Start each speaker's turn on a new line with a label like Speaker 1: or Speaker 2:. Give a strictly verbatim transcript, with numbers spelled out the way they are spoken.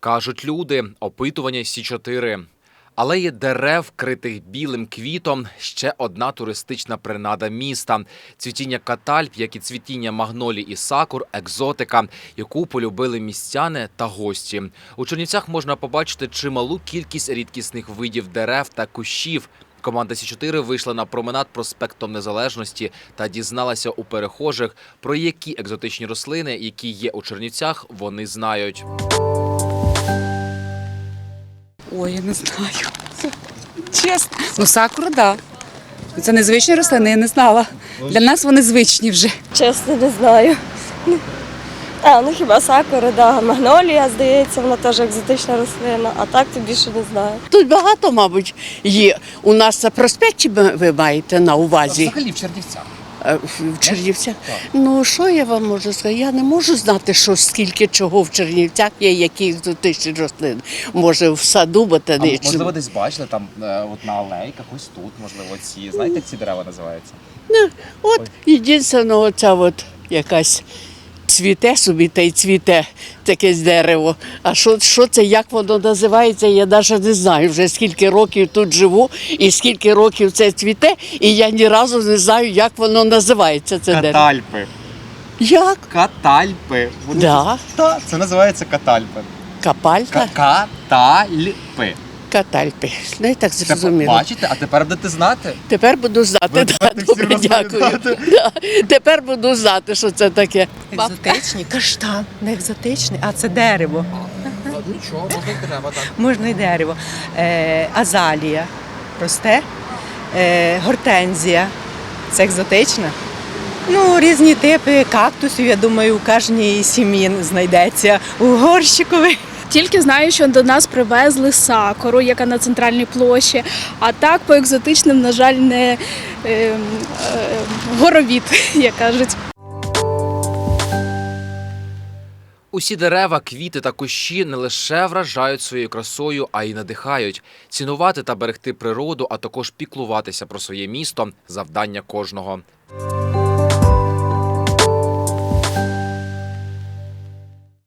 Speaker 1: Кажуть люди, опитування Сі чотири. Алеї дерев, вкритих білим квітом – ще одна туристична принада міста. Цвітіння катальп, як і цвітіння магнолій і сакур – екзотика, яку полюбили містяни та гості. У Чернівцях можна побачити чималу кількість рідкісних видів дерев та кущів. Команда Сі чотири вийшла на променад проспектом Незалежності та дізналася у перехожих, про які екзотичні рослини, які є у Чернівцях, вони знають.
Speaker 2: Ой, я не знаю. Чесно. Ну, сакура, так. Да. Це незвичні рослини, я не знала. Для нас вони звичні вже.
Speaker 3: Чесно, не знаю. А, ну хіба сакура, да. Магнолія, здається, вона теж екзотична рослина, а так то більше не знаю.
Speaker 4: Тут багато, мабуть, є. У нас це проспекті ви маєте на увазі?
Speaker 1: Взагалі в Чернівцях.
Speaker 4: В Чернівцях? Ну, що я вам можу сказати? Я не можу знати, що скільки чого в Чернівцях є, які екзотичні рослини. Може, в саду ботанічному.
Speaker 5: А, можливо, десь бачили там от на алейках, ось тут, можливо, ці. Знаєте, як ці дерева називаються?
Speaker 4: Ну, от, єдине, оця от якась цвіте собі та й цвіте таке дерево. А що, що це, як воно називається, я навіть не знаю. Вже скільки років тут живу і скільки років це цвіте, і я ні разу не знаю, як воно називається, це дерево.
Speaker 5: Катальпи.
Speaker 4: Як?
Speaker 5: Катальпи. Вони...
Speaker 4: Да.
Speaker 5: Так, це називається катальпи.
Speaker 4: Капалька?
Speaker 5: Катальпи.
Speaker 4: Катальпи. Ну, і так
Speaker 5: Тепер
Speaker 4: зрозуміло.
Speaker 5: бачите, а тепер будете знати.
Speaker 4: Тепер буду знати.
Speaker 5: Ви
Speaker 4: Да,
Speaker 5: будете всім
Speaker 4: добре, дякую.
Speaker 5: розповідати.
Speaker 4: Да. Тепер буду знати, що це таке.
Speaker 6: Екзотичні, каштан, не екзотичний, а це дерево.
Speaker 5: Нічого, можна й дерева, так.
Speaker 6: Можна й дерево. Е, азалія росте, е, гортензія. Це екзотичне. Ну, різні типи кактусів, я думаю, у кожній сім'ї знайдеться. У горщикові.
Speaker 7: Тільки знаю, що до нас привезли сакуру, яка на центральній площі, а так по екзотичним, на жаль, не е, е, горовід, як кажуть.
Speaker 1: Усі дерева, квіти та кущі не лише вражають своєю красою, а й надихають. Цінувати та берегти природу, а також піклуватися про своє місто – завдання кожного.